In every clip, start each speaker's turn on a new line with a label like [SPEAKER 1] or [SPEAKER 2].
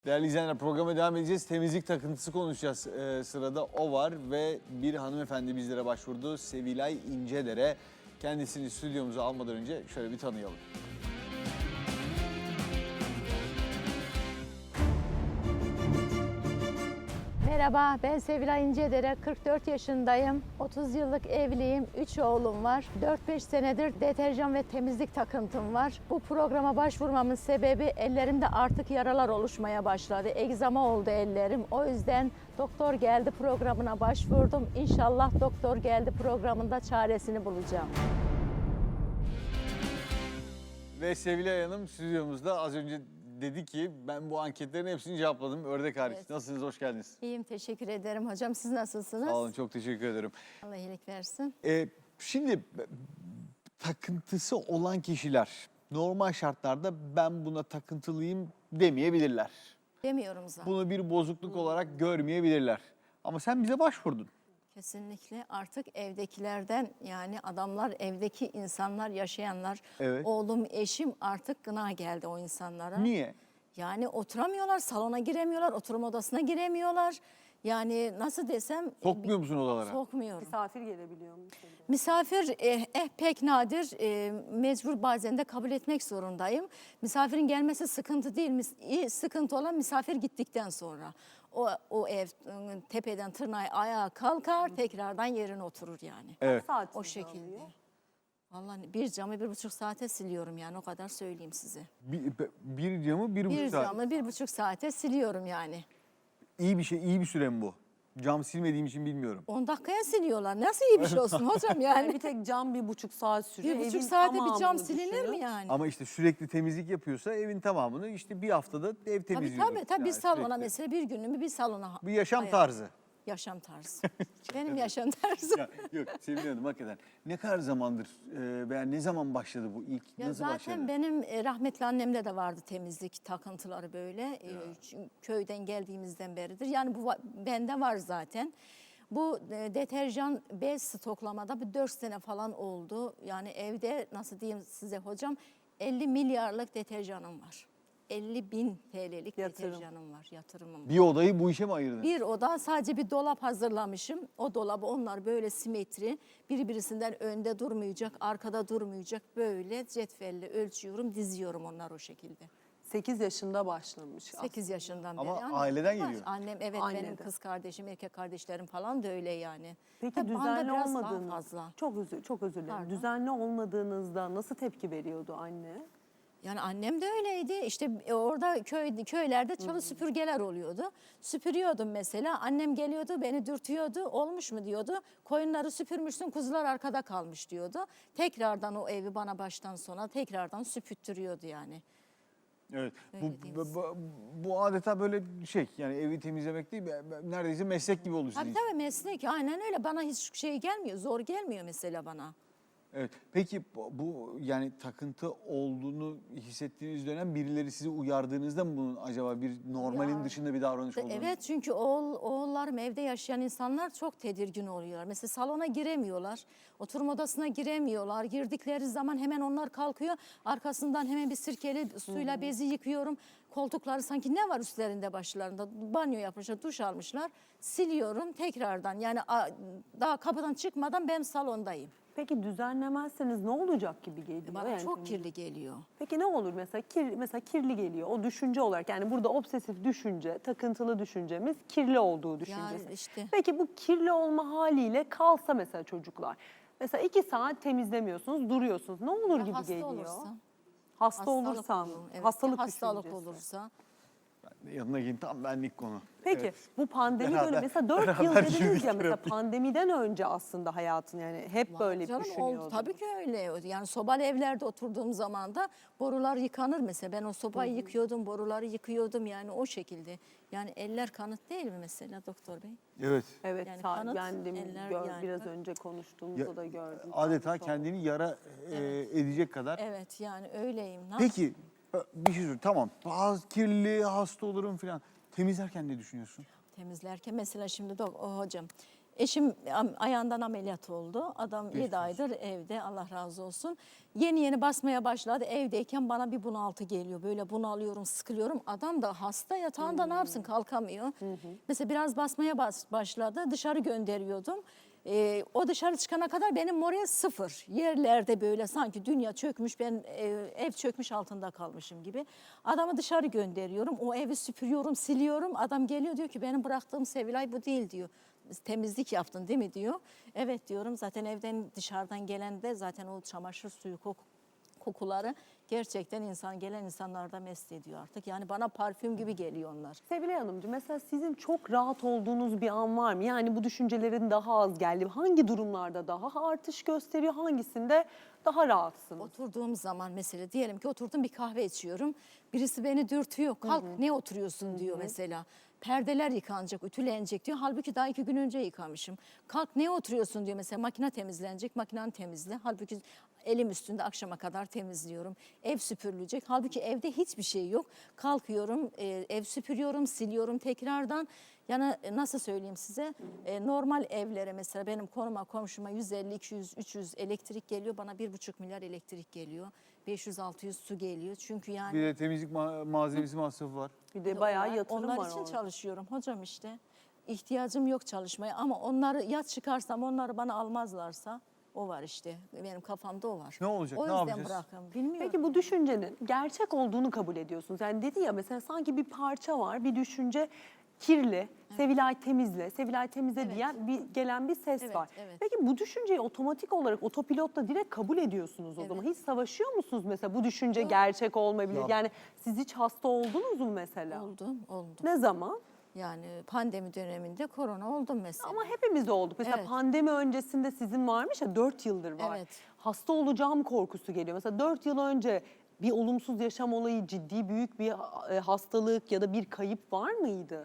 [SPEAKER 1] Değerli izleyenler, programa devam edeceğiz. Temizlik takıntısı konuşacağız. Sırada o var ve bir hanımefendi bizlere başvurdu. Sevilay İncedere. Kendisini stüdyomuza almadan önce şöyle bir tanıyalım.
[SPEAKER 2] Merhaba, ben Sevilay İncedere, 44 yaşındayım, 30 yıllık evliyim, 3 oğlum var, 4-5 senedir deterjan ve temizlik takıntım var. Bu programa başvurmamın sebebi ellerimde artık yaralar oluşmaya başladı, egzama oldu ellerim. O yüzden Doktor Geldi programına başvurdum. İnşallah Doktor Geldi programında çaresini bulacağım.
[SPEAKER 1] Ve Sevilay Hanım stüdyomuzda az önce dedi ki ben bu anketlerin hepsini cevapladım. Ördek hariç.
[SPEAKER 2] Evet.
[SPEAKER 1] Nasılsınız? Hoş geldiniz.
[SPEAKER 2] İyiyim, teşekkür ederim hocam. Siz nasılsınız?
[SPEAKER 1] Sağ olun, çok teşekkür ederim.
[SPEAKER 2] Allah iyilik versin.
[SPEAKER 1] Şimdi takıntısı olan kişiler normal şartlarda ben buna takıntılıyım demeyebilirler.
[SPEAKER 2] Demiyorum zaten.
[SPEAKER 1] Bunu bir bozukluk olarak görmeyebilirler. Ama sen bize başvurdun.
[SPEAKER 2] Kesinlikle artık evdekilerden, yani adamlar, evdeki insanlar, yaşayanlar,
[SPEAKER 1] Evet.
[SPEAKER 2] oğlum, eşim artık gına geldi o insanlara.
[SPEAKER 1] Niye?
[SPEAKER 2] Yani oturamıyorlar, salona giremiyorlar, oturma odasına giremiyorlar. Yani nasıl desem...
[SPEAKER 1] Sokmuyor musun odalara?
[SPEAKER 2] Sokmuyorum.
[SPEAKER 3] Misafir gelebiliyor mu?
[SPEAKER 2] Misafir pek nadir, mecbur bazen de kabul etmek zorundayım. Misafirin gelmesi sıkıntı değil, sıkıntı olan misafir gittikten sonra. O ev tepeden tırnağa ayağa kalkar, tekrardan yerine oturur yani.
[SPEAKER 1] Evet.
[SPEAKER 3] Saat
[SPEAKER 2] O şekilde. Vallahi bir camı 1,5 saate siliyorum yani, o kadar söyleyeyim size.
[SPEAKER 1] Bir camı bir buçuk
[SPEAKER 2] Bir
[SPEAKER 1] saat.
[SPEAKER 2] camı 1,5 saate siliyorum yani.
[SPEAKER 1] İyi bir şey, iyi bir süre mi bu? Cam silmediğim için bilmiyorum.
[SPEAKER 2] 10 dakikaya siliyorlar. Nasıl iyi bir şey olsun hocam
[SPEAKER 3] Yani
[SPEAKER 2] yani.
[SPEAKER 3] bir tek cam 1,5 saat sürüyor.
[SPEAKER 2] 1,5
[SPEAKER 3] Evin
[SPEAKER 2] saate bir cam
[SPEAKER 3] tamamını
[SPEAKER 2] silinir mi
[SPEAKER 3] düşünün.
[SPEAKER 2] yani?
[SPEAKER 1] Ama işte sürekli temizlik yapıyorsa evin tamamını işte bir haftada ev temizliyor.
[SPEAKER 2] Tabii bir
[SPEAKER 1] Yani
[SPEAKER 2] salona
[SPEAKER 1] sürekli.
[SPEAKER 2] mesela bir günümü bir salona.
[SPEAKER 1] Bir yaşam
[SPEAKER 2] ayır-
[SPEAKER 1] tarzı.
[SPEAKER 2] Yaşam tarzı. Benim yaşam tarzım.
[SPEAKER 1] Ya, yok Sevil Hanım hakikaten. Ne kadar zamandır veya ne zaman başladı bu ilk?
[SPEAKER 2] Ya
[SPEAKER 1] Nasıl
[SPEAKER 2] zaten
[SPEAKER 1] başladı?
[SPEAKER 2] benim rahmetli annemde de vardı temizlik takıntıları böyle. Çünkü köyden geldiğimizden beridir. Yani bu bende var zaten. Bu deterjan bez stoklamada bir 4 sene falan oldu. Yani evde nasıl diyeyim size hocam, 50 milyarlık deterjanım var. 50.000 TL'lik
[SPEAKER 3] Yatırım.
[SPEAKER 2] deterjanım var, yatırımım var.
[SPEAKER 1] Bir odayı bu işe mi ayırdın?
[SPEAKER 2] Bir oda, sadece bir dolap hazırlamışım. O dolabı onlar böyle simetri, birisinden önde durmayacak, arkada durmayacak, böyle cetvelle ölçüyorum, diziyorum onlar o şekilde.
[SPEAKER 3] 8 yaşında başlamış.
[SPEAKER 2] 8 yaşından
[SPEAKER 1] Ama
[SPEAKER 2] beri.
[SPEAKER 1] aileden
[SPEAKER 2] var.
[SPEAKER 1] geliyor.
[SPEAKER 2] Annem, evet, benim
[SPEAKER 3] Aileden.
[SPEAKER 2] kız kardeşim, erkek kardeşlerim falan da öyle yani.
[SPEAKER 3] Peki
[SPEAKER 2] Tabii banda
[SPEAKER 3] düzenli
[SPEAKER 2] biraz daha
[SPEAKER 3] olmadığınız,
[SPEAKER 2] fazla.
[SPEAKER 3] çok özür dilerim.
[SPEAKER 2] Pardon.
[SPEAKER 3] Düzenli olmadığınızda nasıl tepki veriyordu anne?
[SPEAKER 2] Yani annem de öyleydi. İşte orada köylerde çalı süpürgeler oluyordu. Süpürüyordum mesela. Annem geliyordu, beni dürtüyordu. Olmuş mu diyordu. Koyunları süpürmüşsün, kuzular arkada kalmış diyordu. Tekrardan o evi bana baştan sona tekrardan süpürttürüyordu yani.
[SPEAKER 1] Evet.
[SPEAKER 2] Öyle diyeyim
[SPEAKER 1] Bu adeta böyle şey, yani evi temizlemek değil, neredeyse meslek gibi oldu sizin
[SPEAKER 2] Tabii
[SPEAKER 1] için.
[SPEAKER 2] tabii, meslek, aynen öyle. Bana hiç şey gelmiyor, zor gelmiyor mesela bana.
[SPEAKER 1] Evet. Peki bu yani takıntı olduğunu hissettiğiniz dönem birileri sizi uyardığınızda mı bunun acaba bir normalin
[SPEAKER 2] Ya,
[SPEAKER 1] dışında bir davranış olduğunu?
[SPEAKER 2] Evet, çünkü oğullarım, evde yaşayan insanlar çok tedirgin oluyorlar. Mesela salona giremiyorlar, oturma odasına giremiyorlar. Girdikleri zaman hemen onlar kalkıyor. Arkasından hemen bir sirkeli suyla bezi yıkıyorum. Koltukları sanki ne var üstlerinde, başlarında? Banyo yapmışlar, duş almışlar. Siliyorum tekrardan. Yani daha kapıdan çıkmadan ben salondayım.
[SPEAKER 3] Peki düzenlemezseniz ne olacak gibi geliyor?
[SPEAKER 2] Bana
[SPEAKER 3] Yani
[SPEAKER 2] çok kirli geliyor.
[SPEAKER 3] Peki ne olur mesela mesela kirli geliyor o düşünce olarak, yani burada obsesif düşünce, takıntılı düşüncemiz kirli olduğu düşüncesi.
[SPEAKER 2] işte.
[SPEAKER 3] Peki bu kirli olma haliyle kalsa mesela çocuklar, mesela 2 saat temizlemiyorsunuz, duruyorsunuz, ne olur
[SPEAKER 2] Ya
[SPEAKER 3] gibi
[SPEAKER 2] hasta
[SPEAKER 3] geliyor?
[SPEAKER 2] olursa?
[SPEAKER 3] Hasta olursan,
[SPEAKER 2] olur, evet.
[SPEAKER 3] hastalık
[SPEAKER 2] Hastalık
[SPEAKER 3] düşüncesi.
[SPEAKER 2] olursa.
[SPEAKER 1] Yanına gelin, tam benlik konu.
[SPEAKER 3] Peki
[SPEAKER 1] Evet.
[SPEAKER 3] bu pandemi
[SPEAKER 1] Beraber-
[SPEAKER 3] dönemi mesela 4 yıl
[SPEAKER 1] beraber
[SPEAKER 3] dediniz
[SPEAKER 1] yürüdük
[SPEAKER 3] ya, mesela
[SPEAKER 1] terapi.
[SPEAKER 3] pandemiden önce aslında hayatın, yani hep böyle
[SPEAKER 2] Canım,
[SPEAKER 3] düşünüyordum.
[SPEAKER 2] tabii ki öyle. Yani sobalı evlerde oturduğum zaman da borular yıkanır mesela. Ben o sobayı yıkıyordum, boruları yıkıyordum yani o şekilde. Yani eller kanıt değil mi mesela doktor bey?
[SPEAKER 1] Evet.
[SPEAKER 3] Evet,
[SPEAKER 2] Yani
[SPEAKER 3] yani
[SPEAKER 2] kanıt,
[SPEAKER 3] ben demin
[SPEAKER 2] eller yani.
[SPEAKER 3] biraz önce konuştuğumuzda da gördüm.
[SPEAKER 1] Adeta
[SPEAKER 3] Kanıt oldu.
[SPEAKER 1] kendini yara edecek kadar.
[SPEAKER 2] Evet, yani öyleyim.
[SPEAKER 1] Peki bir şey söyleyeyim. Tamam. Bazı kirli, hasta olurum falan. Temizlerken ne düşünüyorsun?
[SPEAKER 2] Temizlerken mesela şimdi hocam, Eşim ayağından ameliyat oldu. Adam 7 aydır evde, Allah razı olsun. Yeni yeni basmaya başladı. Evdeyken bana bir bunaltı geliyor. Böyle bunalıyorum, sıkılıyorum. Adam da hasta, yatağında ne yapsın, kalkamıyor. Mesela biraz basmaya başladı. Dışarı gönderiyordum. O dışarı çıkana kadar benim moral sıfır. Yerlerde böyle sanki dünya çökmüş, ben ev çökmüş altında kalmışım gibi. Adamı dışarı gönderiyorum. O evi süpürüyorum, siliyorum. Adam geliyor diyor ki benim bıraktığım Sevilay bu değil diyor. Temizlik yaptın değil mi diyor. Evet diyorum, zaten evden dışarıdan gelen de zaten o çamaşır suyu kokuları gerçekten gelen insanlarda mest ediyor artık. Yani bana parfüm gibi geliyor onlar.
[SPEAKER 3] Sevilay Hanımcığım, mesela sizin çok rahat olduğunuz bir an var mı? Yani bu düşüncelerin daha az geldi. Hangi durumlarda daha artış gösteriyor, hangisinde daha rahatsınız?
[SPEAKER 2] Oturduğum zaman mesela diyelim ki oturdum bir kahve içiyorum. Birisi beni dürtüyor. Kalk ne oturuyorsun diyor mesela. Perdeler yıkanacak, ütülenecek diyor. Halbuki daha 2 gün önce yıkamışım. Kalk ne oturuyorsun diyor mesela. Makine temizlenecek, makinanı temizle. Halbuki elim üstünde akşama kadar temizliyorum. Ev süpürülecek. Halbuki evde hiçbir şey yok. Kalkıyorum, ev süpürüyorum, siliyorum tekrardan. Yani nasıl söyleyeyim size, normal evlere mesela benim komşuma 150, 200, 300 elektrik geliyor. Bana 1,5 milyar elektrik geliyor. 500-600 su geliyor. Çünkü yani...
[SPEAKER 1] Bir de temizlik malzemesi masrafı var.
[SPEAKER 3] Bir de bayağı yatırım
[SPEAKER 2] onlar
[SPEAKER 3] var
[SPEAKER 2] için
[SPEAKER 3] orada.
[SPEAKER 2] çalışıyorum hocam işte. İhtiyacım yok çalışmaya ama onları ya çıkarsam onları bana almazlarsa o var işte. Benim kafamda o var.
[SPEAKER 1] Ne olacak,
[SPEAKER 2] O
[SPEAKER 1] ne
[SPEAKER 2] yüzden
[SPEAKER 1] yapacağız?
[SPEAKER 2] bırakın. Bilmiyorum.
[SPEAKER 3] Peki bu düşüncenin gerçek olduğunu kabul ediyorsunuz. Yani dedi ya, mesela sanki bir parça var, bir düşünce kirli, Sevilay temizle, Sevilay temizle
[SPEAKER 2] Evet.
[SPEAKER 3] diyen gelen bir ses
[SPEAKER 2] Evet,
[SPEAKER 3] var.
[SPEAKER 2] evet.
[SPEAKER 3] Peki bu düşünceyi otomatik olarak otopilotla direkt kabul ediyorsunuz o zaman. Hiç savaşıyor musunuz mesela, bu düşünce gerçek olmayabilir?
[SPEAKER 1] Ya-
[SPEAKER 3] Yani siz hiç hasta oldunuz mu mesela?
[SPEAKER 2] Oldum.
[SPEAKER 3] Ne zaman?
[SPEAKER 2] Yani pandemi döneminde korona oldum mesela.
[SPEAKER 3] Ama hepimiz olduk. Mesela
[SPEAKER 2] Evet.
[SPEAKER 3] pandemi öncesinde sizin varmış ya, 4 yıldır var.
[SPEAKER 2] Evet.
[SPEAKER 3] Hasta olacağım korkusu geliyor. Mesela 4 yıl önce bir olumsuz yaşam olayı, ciddi büyük bir hastalık ya da bir kayıp var mıydı?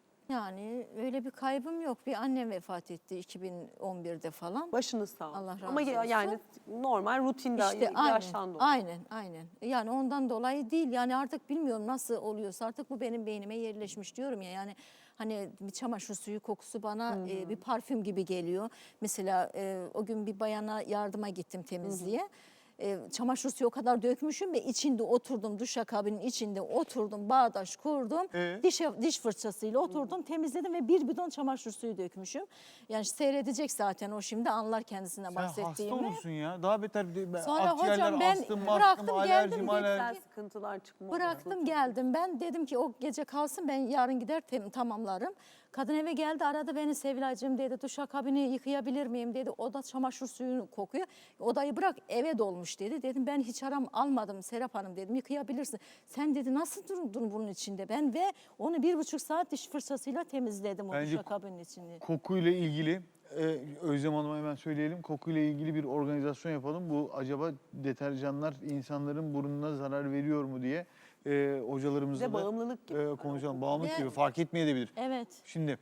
[SPEAKER 2] Yani öyle bir kaybım yok. Bir annem vefat etti 2011'de falan.
[SPEAKER 3] Başınız sağ olsun.
[SPEAKER 2] Allah razı
[SPEAKER 3] Ama
[SPEAKER 2] olsun.
[SPEAKER 3] yani normal rutinde
[SPEAKER 2] İşte
[SPEAKER 3] yaştan dolayı.
[SPEAKER 2] aynen. Yani ondan dolayı değil. Yani artık bilmiyorum nasıl oluyorsa artık bu benim beynime yerleşmiş diyorum ya. Yani hani bir çamaşır suyu kokusu bana bir parfüm gibi geliyor. Mesela o gün bir bayana yardıma gittim temizliğe. Çamaşır suyu o kadar dökmüşüm ve içinde oturdum, duşakabinin içinde oturdum, bağdaş kurdum. Diş fırçasıyla oturdum, temizledim ve 1 bidon çamaşır suyu dökmüşüm. Yani seyredecek zaten, o şimdi anlar kendisine
[SPEAKER 1] Sen
[SPEAKER 2] bahsettiğimi.
[SPEAKER 1] hasta olursun ya. Daha beter
[SPEAKER 2] Sonra
[SPEAKER 1] akciğerler,
[SPEAKER 2] hocam ben
[SPEAKER 1] astım,
[SPEAKER 2] bıraktım,
[SPEAKER 1] alerji,
[SPEAKER 2] geldim,
[SPEAKER 1] malerji.
[SPEAKER 3] Güzel sıkıntılar çıkma.
[SPEAKER 2] Bıraktım geldim ben. Dedim ki o gece kalsın, ben yarın gider tamamlarım. Kadın eve geldi, aradı beni, Sevilaycığım dedi, duşakabini yıkayabilir miyim dedi. O da çamaşır suyunu kokuyor. Odayı bırak, eve dolmuş dedi. Dedim ben hiç almadım Serap Hanım dedim, yıkayabilirsin. Sen dedi nasıl durdun bunun içinde? Ben ve onu 1,5 saat diş fırçasıyla temizledim o
[SPEAKER 1] Bence
[SPEAKER 2] duşakabinin içini.
[SPEAKER 1] Kokuyla ilgili Özlem Hanım'a hemen söyleyelim. Kokuyla ilgili bir organizasyon yapalım. Bu acaba deterjanlar insanların burnuna zarar veriyor mu diye hocalarımızla
[SPEAKER 3] Bize
[SPEAKER 1] da
[SPEAKER 3] bağımlılık gibi.
[SPEAKER 1] konuşalım. Bağımlılık
[SPEAKER 2] Ve-
[SPEAKER 1] gibi fark etmeyebilir.
[SPEAKER 2] Evet.
[SPEAKER 1] Şimdi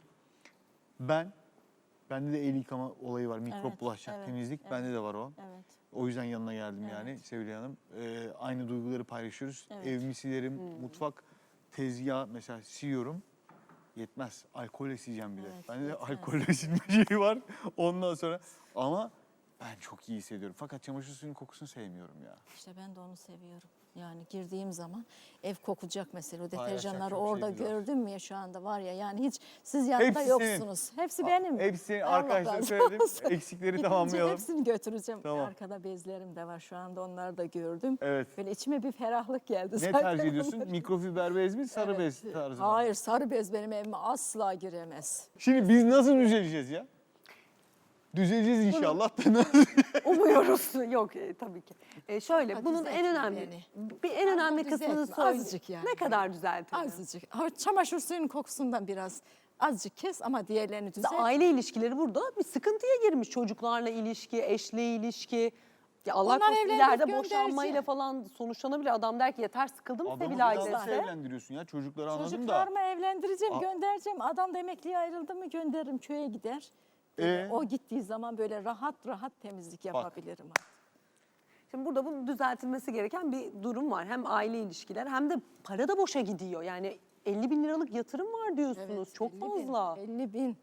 [SPEAKER 1] bende de el yıkama olayı var. Mikrop
[SPEAKER 2] Evet,
[SPEAKER 1] bulaşacak
[SPEAKER 2] evet,
[SPEAKER 1] temizlik.
[SPEAKER 2] evet.
[SPEAKER 1] Bende de var o.
[SPEAKER 2] Evet.
[SPEAKER 1] O yüzden yanına geldim
[SPEAKER 2] Evet.
[SPEAKER 1] yani Sevilay Hanım. Aynı duyguları paylaşıyoruz.
[SPEAKER 2] Evet.
[SPEAKER 1] Evimi silerim, mutfak, tezgah mesela siliyorum. Yetmez. Alkolle sileceğim bir de.
[SPEAKER 2] Evet,
[SPEAKER 1] Bende de
[SPEAKER 2] yetmez.
[SPEAKER 1] alkolle silme şeyi var. Ondan sonra ama ben çok iyi hissediyorum. Fakat çamaşır suyunun kokusunu sevmiyorum ya.
[SPEAKER 2] İşte ben de onu seviyorum. Yani girdiğim zaman ev kokacak mesela. O
[SPEAKER 1] Paylaşacak
[SPEAKER 2] deterjanları
[SPEAKER 1] çok
[SPEAKER 2] orada
[SPEAKER 1] şeyimiz var.
[SPEAKER 2] gördüm mü ya, şu anda var ya, yani hiç siz yanında
[SPEAKER 1] Hepsi
[SPEAKER 2] yoksunuz. Hepsi benim.
[SPEAKER 1] Hepsi
[SPEAKER 2] Allah
[SPEAKER 1] arkadaşlar
[SPEAKER 2] razı
[SPEAKER 1] söyledim.
[SPEAKER 2] olsun.
[SPEAKER 1] Eksikleri
[SPEAKER 2] Gidince
[SPEAKER 1] tamamlayalım.
[SPEAKER 2] hepsini götüreceğim.
[SPEAKER 1] Tamam.
[SPEAKER 2] Arkada bezlerim de var şu anda, onları da gördüm.
[SPEAKER 1] Evet.
[SPEAKER 2] Böyle içime bir ferahlık geldi.
[SPEAKER 1] Ne
[SPEAKER 2] zaten
[SPEAKER 1] tercih ediyorsun?
[SPEAKER 2] onları.
[SPEAKER 1] Mikrofiber bez mi, sarı
[SPEAKER 2] Evet.
[SPEAKER 1] bez tarzı mı?
[SPEAKER 2] Hayır, sarı bez benim evime asla giremez.
[SPEAKER 1] Şimdi biz nasıl düzeleceğiz ya? Düzeleceğiz inşallah da nasıl?
[SPEAKER 3] Umuyoruz. Yok tabii ki. Şöyle,
[SPEAKER 2] Hadi
[SPEAKER 3] bunun en
[SPEAKER 2] düzeltin
[SPEAKER 3] önemli
[SPEAKER 2] beni.
[SPEAKER 3] en önemli
[SPEAKER 2] Hadi
[SPEAKER 3] kısmını
[SPEAKER 2] düzeltme,
[SPEAKER 3] söyle.
[SPEAKER 2] azıcık yani.
[SPEAKER 3] Ne kadar düzeltelim?
[SPEAKER 2] Azıcık. Ha, çamaşır suyunun kokusundan biraz azıcık kes ama diğerlerini
[SPEAKER 3] İşte
[SPEAKER 2] düzelt.
[SPEAKER 3] aile ilişkileri burada bir sıkıntıya girmiş. Çocuklarla ilişki, eşle ilişki. Ya Allah
[SPEAKER 2] Onlar
[SPEAKER 3] korusun
[SPEAKER 2] evlenip
[SPEAKER 3] ileride
[SPEAKER 2] gönderecek.
[SPEAKER 3] boşanmayla falan sonuçlanabilir. Adam der ki yeter, sıkıldım
[SPEAKER 1] Adamı bir
[SPEAKER 3] Sevilay
[SPEAKER 1] daha nasıl
[SPEAKER 3] dese.
[SPEAKER 1] evlendiriyorsun ya? Çocukları anladım da.
[SPEAKER 2] Çocuklarımı evlendireceğim,
[SPEAKER 1] Aa.
[SPEAKER 2] göndereceğim. Adam da emekliye ayrıldı mı gönderirim, köye gider. O gittiği zaman böyle rahat rahat temizlik yapabilirim.
[SPEAKER 3] Şimdi burada bunun düzeltilmesi gereken bir durum var. Hem aile ilişkiler hem de para da boşa gidiyor. Yani 50 bin liralık yatırım var diyorsunuz. Çok
[SPEAKER 2] 50 bin,
[SPEAKER 3] fazla.
[SPEAKER 2] 50 bin.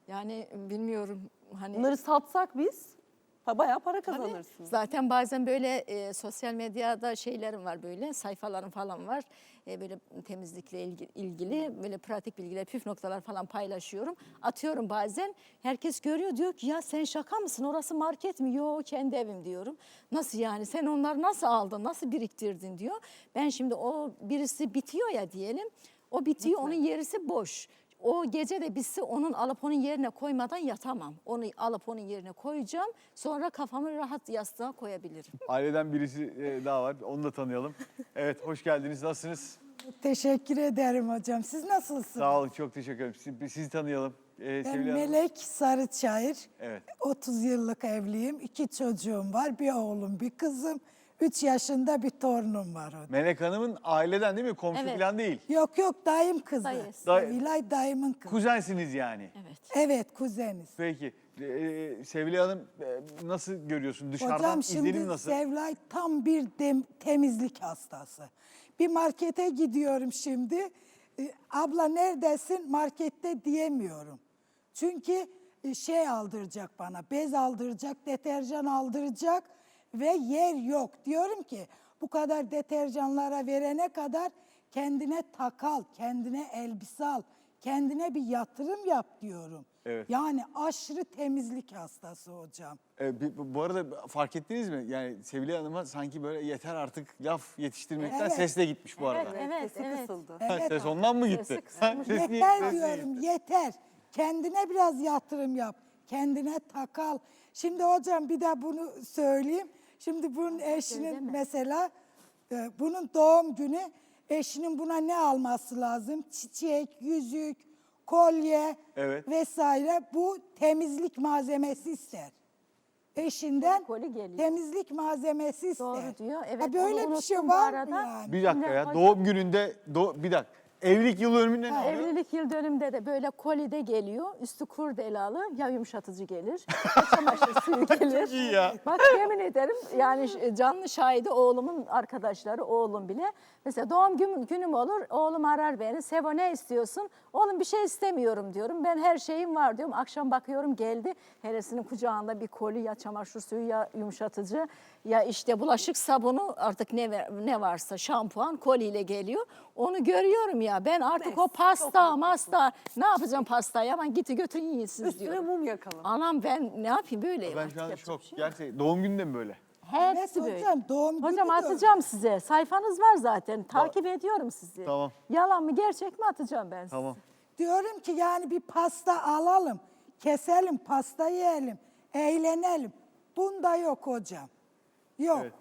[SPEAKER 2] Yani bilmiyorum hani.
[SPEAKER 3] Bunları satsak biz bayağı para kazanırsınız.
[SPEAKER 2] Zaten bazen böyle sosyal medyada şeylerim var, böyle sayfalarım falan var. Böyle temizlikle ilgili böyle pratik bilgiler, püf noktalar falan paylaşıyorum. Atıyorum bazen. Herkes görüyor, diyor ki ya sen şaka mısın? Orası market mi? Yok, kendi evim diyorum. Nasıl yani? Sen onları nasıl aldın? Nasıl biriktirdin diyor. Ben şimdi o birisi bitiyor ya diyelim. O bitiyor, onun yerisi boş. O gece de bitse onun alıp onun yerine koymadan yatamam. Onu alıp onun yerine koyacağım. Sonra kafamı rahat yastığa koyabilirim.
[SPEAKER 1] Aileden birisi daha var. Onu da tanıyalım. Evet, hoş geldiniz. Nasılsınız?
[SPEAKER 4] Teşekkür ederim hocam. Siz nasılsınız?
[SPEAKER 1] Sağ olun, çok teşekkür ederim. Sizi tanıyalım.
[SPEAKER 4] Ben
[SPEAKER 1] Sevilay Hanım.
[SPEAKER 4] Melek Sarıçayır.
[SPEAKER 1] Evet.
[SPEAKER 4] 30 yıllık evliyim. 2 çocuğum var. Bir oğlum, bir kızım. 3 yaşında bir torunum var.
[SPEAKER 1] Melek Hanım'ın aileden değil mi? Komşu
[SPEAKER 2] Evet.
[SPEAKER 1] falan değil.
[SPEAKER 4] Yok yok, dayım kızı.
[SPEAKER 2] Dayısı.
[SPEAKER 4] Sevilay dayımın kızı.
[SPEAKER 1] Kuzensiniz yani.
[SPEAKER 2] Evet.
[SPEAKER 4] Evet, kuzeniz.
[SPEAKER 1] Peki. Sevilay Hanım nasıl görüyorsun? Dışarıdan
[SPEAKER 4] Hocam
[SPEAKER 1] izlenim
[SPEAKER 4] şimdi
[SPEAKER 1] nasıl?
[SPEAKER 4] Sevilay tam bir temizlik hastası. Bir markete gidiyorum şimdi. Abla neredesin? Markette diyemiyorum. Çünkü şey aldıracak bana, bez aldıracak, deterjan aldıracak ve yer yok. Diyorum ki bu kadar deterjanlara verene kadar kendine takal, kendine elbise al, kendine bir yatırım yap diyorum.
[SPEAKER 1] Evet.
[SPEAKER 4] Yani aşırı temizlik hastası hocam.
[SPEAKER 1] Bu arada fark ettiniz mi? Yani Sevilay Hanım'a sanki böyle yeter artık laf yetiştirmekten
[SPEAKER 4] Evet.
[SPEAKER 1] ses de gitmiş bu arada.
[SPEAKER 2] Evet,
[SPEAKER 3] Sesi
[SPEAKER 2] evet.
[SPEAKER 3] kısıldı.
[SPEAKER 1] Ha,
[SPEAKER 4] Evet.
[SPEAKER 1] ses ondan mı gitti?
[SPEAKER 2] Sesi kısılmış.
[SPEAKER 1] Ses niye-
[SPEAKER 4] Yeter
[SPEAKER 1] ses niye
[SPEAKER 4] diyorum,
[SPEAKER 1] gitti?
[SPEAKER 4] yeter. Kendine biraz yatırım yap. Kendine takal. Şimdi hocam bir de bunu söyleyeyim. Şimdi bunun eşinin
[SPEAKER 2] söyleme.
[SPEAKER 4] mesela bunun doğum günü, eşinin buna ne alması lazım? Çiçek, yüzük, kolye
[SPEAKER 1] Evet.
[SPEAKER 4] vesaire. Bu temizlik malzemesi ister. Eşinden
[SPEAKER 2] Koli geliyor.
[SPEAKER 4] temizlik malzemesi ister.
[SPEAKER 2] Doğru diyor. Evet,
[SPEAKER 4] Ha, böyle
[SPEAKER 2] onu
[SPEAKER 4] bir şey
[SPEAKER 2] unuttum bu
[SPEAKER 4] var mı
[SPEAKER 2] arada.
[SPEAKER 4] yani?
[SPEAKER 1] Bir dakika ya.
[SPEAKER 2] Şimdi-
[SPEAKER 1] Doğum gününde bir dakika. Evlilik yıl dönümünde ne oluyor?
[SPEAKER 2] Evlilik yıl dönümünde de böyle kolide geliyor. Üstü kurdelalı, ya yumuşatıcı gelir, ya çamaşır suyu gelir.
[SPEAKER 1] Çok iyi ya.
[SPEAKER 2] Bak yemin ederim, yani canlı şahidi oğlumun arkadaşları, oğlum bile. Mesela doğum günüm olur, oğlum arar beni. Sevo ne istiyorsun? Oğlum bir şey istemiyorum diyorum. Ben her şeyim var diyorum. Akşam bakıyorum geldi. Heresinin kucağında bir koli, ya çamaşır suyu, ya yumuşatıcı, ya işte bulaşık sabunu, artık ne varsa şampuan koliyle geliyor. Onu görüyorum ya. Ben artık
[SPEAKER 3] Neyse,
[SPEAKER 2] o pasta,
[SPEAKER 3] çok
[SPEAKER 2] masta, ne yapacağım pastayı? Aman giti götürün yiyin siz
[SPEAKER 3] Üstüne
[SPEAKER 2] diyorum.
[SPEAKER 3] mum yakalım.
[SPEAKER 2] Anam ben ne yapayım, böyleyim
[SPEAKER 1] Ben
[SPEAKER 2] artık,
[SPEAKER 1] şu an
[SPEAKER 2] yapacak
[SPEAKER 1] şok.
[SPEAKER 2] bir şey yok.
[SPEAKER 1] Gerçekten doğum gününde mi böyle?
[SPEAKER 2] Hepsi
[SPEAKER 4] Evet
[SPEAKER 2] böyle.
[SPEAKER 4] hocam, doğum günü
[SPEAKER 2] Hocam
[SPEAKER 4] de
[SPEAKER 2] atacağım size. Sayfanız var zaten. Takip ediyorum sizi.
[SPEAKER 1] Tamam.
[SPEAKER 2] Yalan mı gerçek mi atacağım ben size.
[SPEAKER 1] Tamam.
[SPEAKER 4] Diyorum ki yani bir pasta alalım, keselim, pasta yiyelim, eğlenelim. Bunda yok hocam. Yok.
[SPEAKER 1] Evet.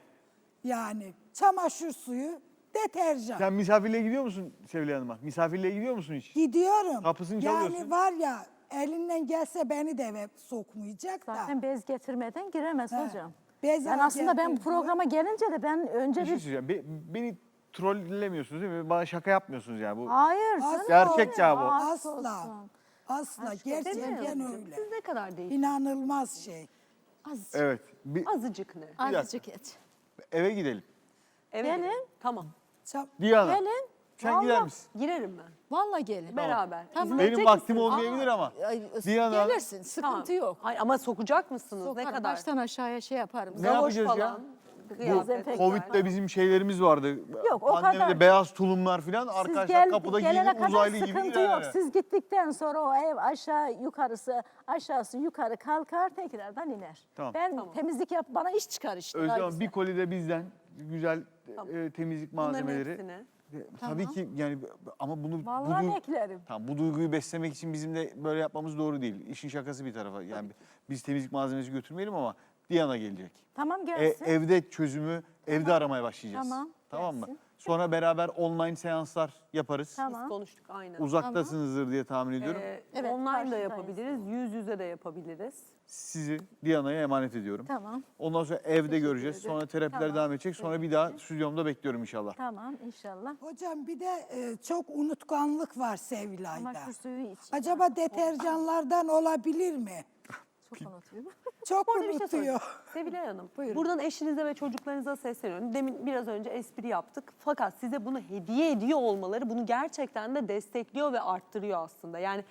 [SPEAKER 4] Yani çamaşır suyu, deterjan.
[SPEAKER 1] Sen misafirliğe gidiyor musun Sevilay Hanım'a? Misafirliğe gidiyor musun hiç?
[SPEAKER 4] Gidiyorum.
[SPEAKER 1] Kapısını
[SPEAKER 4] yani
[SPEAKER 1] çalıyorsun.
[SPEAKER 4] var ya, elinden gelse beni de eve sokmayacak da.
[SPEAKER 2] Zaten bez getirmeden giremez
[SPEAKER 4] He.
[SPEAKER 2] hocam.
[SPEAKER 4] Bez
[SPEAKER 2] Ben aslında ben bu
[SPEAKER 4] getirdim.
[SPEAKER 2] programa gelince de ben önce
[SPEAKER 1] Bir şey
[SPEAKER 2] bir...
[SPEAKER 1] söyleyeceğim. Beni trollemiyorsunuz değil mi? Bana şaka yapmıyorsunuz yani. Bu
[SPEAKER 2] Hayır.
[SPEAKER 4] Asla.
[SPEAKER 2] canım.
[SPEAKER 1] Gerçek ya bu.
[SPEAKER 2] Aşk
[SPEAKER 4] Asla.
[SPEAKER 2] olsun.
[SPEAKER 4] Asla.
[SPEAKER 2] Aşk
[SPEAKER 4] Gerçekten
[SPEAKER 2] demiyorum.
[SPEAKER 4] öyle.
[SPEAKER 3] Siz ne kadar değil?
[SPEAKER 4] İnanılmaz şey.
[SPEAKER 2] Azıcık,
[SPEAKER 1] evet.
[SPEAKER 3] Azıcık ne?
[SPEAKER 2] azıcık et.
[SPEAKER 1] Eve gidelim.
[SPEAKER 3] Evet.
[SPEAKER 2] Gelin.
[SPEAKER 3] Tamam.
[SPEAKER 1] Diana.
[SPEAKER 2] Gelin.
[SPEAKER 1] Sen gider
[SPEAKER 2] Vallahi-
[SPEAKER 1] misin?
[SPEAKER 3] Girerim ben.
[SPEAKER 2] Vallahi gelin.
[SPEAKER 3] Beraber.
[SPEAKER 2] Tamam.
[SPEAKER 3] İzin
[SPEAKER 1] Benim
[SPEAKER 3] verecek
[SPEAKER 1] vaktim
[SPEAKER 3] misiniz?
[SPEAKER 1] olmayabilir ama.
[SPEAKER 2] Ay,
[SPEAKER 1] Diana.
[SPEAKER 2] Gelirsin, sıkıntı
[SPEAKER 3] Tamam.
[SPEAKER 2] yok.
[SPEAKER 3] Hayır, ama sokacak mısınız?
[SPEAKER 2] Sokarım,
[SPEAKER 3] Ne kadar?
[SPEAKER 2] baştan aşağıya şey yaparım.
[SPEAKER 1] Ne
[SPEAKER 3] Galoş
[SPEAKER 1] yapacağız ya?
[SPEAKER 3] falan,
[SPEAKER 1] Bu
[SPEAKER 3] kıyafetler.
[SPEAKER 1] Covid'de bizim şeylerimiz vardı.
[SPEAKER 2] Yok, o
[SPEAKER 1] Pandemide
[SPEAKER 2] kadar.
[SPEAKER 1] beyaz tulumlar falan. Arkadaşlar kapıda
[SPEAKER 2] gelene
[SPEAKER 1] giyinip
[SPEAKER 2] kadar
[SPEAKER 1] uzaylı gibi
[SPEAKER 2] sıkıntı yok.
[SPEAKER 1] giderler.
[SPEAKER 2] Siz gittikten sonra o ev aşağı yukarısı, aşağısı yukarı kalkar, tekrardan iner.
[SPEAKER 1] Tamam.
[SPEAKER 2] Ben
[SPEAKER 3] Tamam.
[SPEAKER 2] temizlik yap, bana iş çıkar işte.
[SPEAKER 1] Özlem
[SPEAKER 2] daha
[SPEAKER 1] Hanım,
[SPEAKER 2] güzel.
[SPEAKER 1] bir koli de bizden güzel
[SPEAKER 3] Tamam.
[SPEAKER 1] temizlik
[SPEAKER 3] Bunların
[SPEAKER 1] malzemeleri.
[SPEAKER 3] hepsini.
[SPEAKER 1] Tabii ki yani ama bunu
[SPEAKER 2] Vallahi
[SPEAKER 1] bu,
[SPEAKER 2] beklerim.
[SPEAKER 1] tamam, bu duyguyu beslemek için bizim de böyle yapmamız doğru değil. İşin şakası bir tarafa. Yani biz temizlik malzemesi götürmeyelim ama Diana gelecek.
[SPEAKER 2] Tamam gelsin.
[SPEAKER 1] Evde çözümü evde aramaya başlayacağız.
[SPEAKER 2] Tamam,
[SPEAKER 1] mı?
[SPEAKER 2] gelsin.
[SPEAKER 1] Sonra beraber online seanslar yaparız.
[SPEAKER 2] Tamam.
[SPEAKER 3] Biz konuştuk aynen.
[SPEAKER 1] Uzaktasınızdır diye tahmin ediyorum.
[SPEAKER 2] Evet,
[SPEAKER 3] Online da
[SPEAKER 2] karşıdayız.
[SPEAKER 3] yapabiliriz, yüz yüze de yapabiliriz.
[SPEAKER 1] Sizi Diana'ya emanet ediyorum.
[SPEAKER 2] Tamam.
[SPEAKER 1] Ondan sonra evde göreceğiz. Sonra terapiler
[SPEAKER 2] Tamam.
[SPEAKER 1] devam edecek. Sonra bir daha stüdyomda bekliyorum inşallah.
[SPEAKER 2] Tamam inşallah.
[SPEAKER 4] Hocam bir de çok unutkanlık var Sevilay'da.
[SPEAKER 2] Çamaşır suyu iç.
[SPEAKER 4] Acaba deterjanlardan olabilir mi?
[SPEAKER 2] Çok unutuyorum.
[SPEAKER 4] Çok
[SPEAKER 3] Bu arada bir şey
[SPEAKER 4] unutuyor.
[SPEAKER 3] sorayım. Sevilay Hanım, buradan eşinize ve çocuklarınıza sesleniyorum. Demin biraz önce espri yaptık. Fakat size bunu hediye ediyor olmaları bunu gerçekten de destekliyor ve arttırıyor aslında. Yani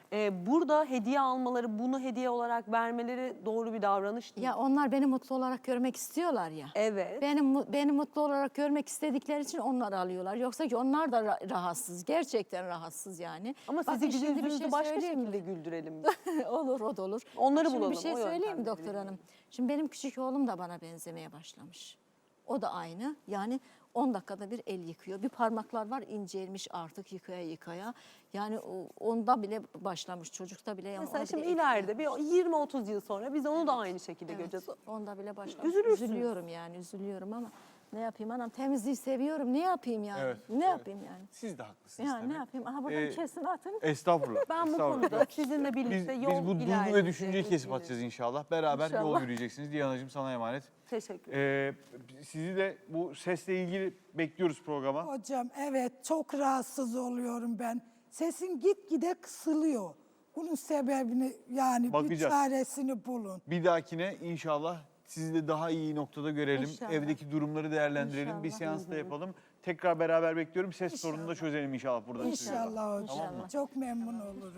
[SPEAKER 3] Burada hediye almaları, bunu hediye olarak vermeleri doğru bir davranış değil.
[SPEAKER 2] Ya onlar beni mutlu olarak görmek istiyorlar ya.
[SPEAKER 3] Evet.
[SPEAKER 2] Beni mutlu olarak görmek istedikleri için onlar alıyorlar. Yoksa ki onlar da rahatsız. Gerçekten rahatsız yani.
[SPEAKER 3] Ama
[SPEAKER 2] Bakın
[SPEAKER 3] sizi
[SPEAKER 2] şimdi bir
[SPEAKER 3] yüzünüzü
[SPEAKER 2] şey
[SPEAKER 3] başka
[SPEAKER 2] söyleyeyim mi?
[SPEAKER 3] şekilde güldürelim.
[SPEAKER 2] Olur, o da olur.
[SPEAKER 3] Onları
[SPEAKER 2] Şimdi
[SPEAKER 3] bulalım,
[SPEAKER 2] bir şey
[SPEAKER 3] o
[SPEAKER 2] söyleyeyim mi
[SPEAKER 3] yöntemleri
[SPEAKER 2] doktor
[SPEAKER 3] deneyelim.
[SPEAKER 2] hanım? Şimdi benim küçük oğlum da bana benzemeye başlamış. O da aynı. Yani 10 dakikada bir el yıkıyor. Bir parmaklar var incelmiş artık yıkaya yıkaya. Yani onda bile başlamış. Çocukta bile. Yani
[SPEAKER 3] Mesela
[SPEAKER 2] ona
[SPEAKER 3] şimdi
[SPEAKER 2] bile
[SPEAKER 3] ileride bir 20-30 yıl sonra biz onu da aynı şekilde
[SPEAKER 2] Evet,
[SPEAKER 3] göreceğiz.
[SPEAKER 2] onda bile başlamış.
[SPEAKER 3] Üzülürsünüz.
[SPEAKER 2] Üzülüyorum yani, üzülüyorum ama ne yapayım anam, temizliği seviyorum. Ne yapayım yani?
[SPEAKER 1] Evet,
[SPEAKER 2] Ne
[SPEAKER 1] evet.
[SPEAKER 2] yapayım yani?
[SPEAKER 1] Siz de haklısınız
[SPEAKER 2] Yani
[SPEAKER 1] tabii.
[SPEAKER 2] ne yapayım? Aha buradan kesin atın.
[SPEAKER 1] Estağfurullah.
[SPEAKER 3] Ben bu
[SPEAKER 1] estağfurullah.
[SPEAKER 3] konuda sizinle birlikte
[SPEAKER 1] Biz
[SPEAKER 3] yol
[SPEAKER 1] bu duygu ve
[SPEAKER 3] ilerleyeceğiz.
[SPEAKER 1] düşünceyi kesip atacağız inşallah. Beraber yol
[SPEAKER 2] İnşallah.
[SPEAKER 1] yürüyeceksiniz. Diyanacığım sana emanet.
[SPEAKER 3] Teşekkür ederim.
[SPEAKER 1] Sizi de bu sesle ilgili bekliyoruz programa.
[SPEAKER 4] Hocam evet çok rahatsız oluyorum ben. Sesim gitgide kısılıyor. Bunun sebebini yani bir
[SPEAKER 1] Bakacağız.
[SPEAKER 4] çaresini bulun.
[SPEAKER 1] Bir dahakine inşallah sizi de daha iyi noktada görelim.
[SPEAKER 2] İnşallah.
[SPEAKER 1] Evdeki durumları değerlendirelim. Bir
[SPEAKER 2] İnşallah.
[SPEAKER 1] seans da yapalım. Tekrar beraber bekliyorum. Ses sorununu da çözelim inşallah burada.
[SPEAKER 4] İnşallah hocam.
[SPEAKER 2] İnşallah.
[SPEAKER 4] Çok memnun olurum.